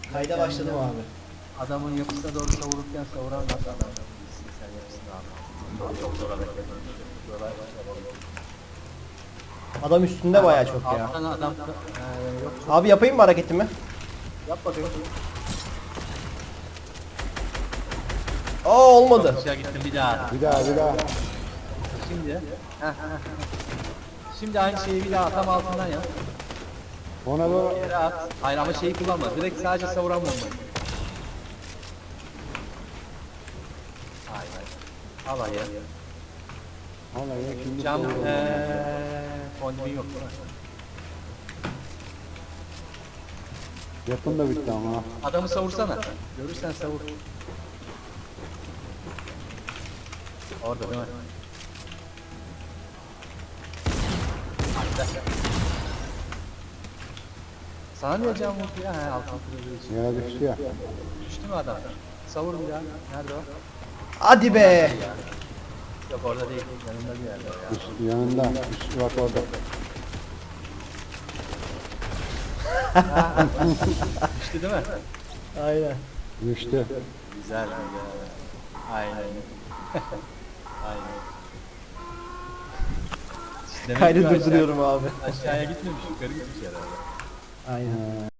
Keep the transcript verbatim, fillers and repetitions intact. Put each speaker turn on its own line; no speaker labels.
Kayda başladım abi.
Adamın yapısına doğru savururken savuran nasıl adam? Sen yapısını abi. Çok zor hareket. Buralar
Adam üstünde bayağı çok ya.
alttan adam e, yok çok.
Abi yapayım mı hareketimi?
Yap bakayım.
Aa olmadı.
Aşağı gittim bir daha.
Bir daha bir daha.
Şimdi. heh, heh, heh. Şimdi aynı şeyi bir daha tam altından yap.
Ona doğru.
Yere at. Hayır ama şeyi kullanma. Direkt sadece savuran bombayı. Hayır hayır. Al ayı.
Vallahi şimdi
Cam
doğru.
eee fondibin yok değil mi?
Yapın da bitti ama.
Adamı savursana. Görürsen savur. Orada değil mi? Hadi. Sana niye cam vurdu ya? He altın kırıldığı için.
Yere düştü ya.
Düştü mü adam? Savur bir daha. Nerede o?
Hadi be.
Yok orada değil. Yanında bir yerde o ya.
Üst, yanında. Üst, bak orada.
Düştü değil mi?
Aynen.
Düştü.
Güzel güzel. Aynen. Aynen. Demek ki
Kaydı
aşağı-
durduruyorum abi.
Aşağıya gitmemiş, yukarı gitmiş herhalde.
Aynen.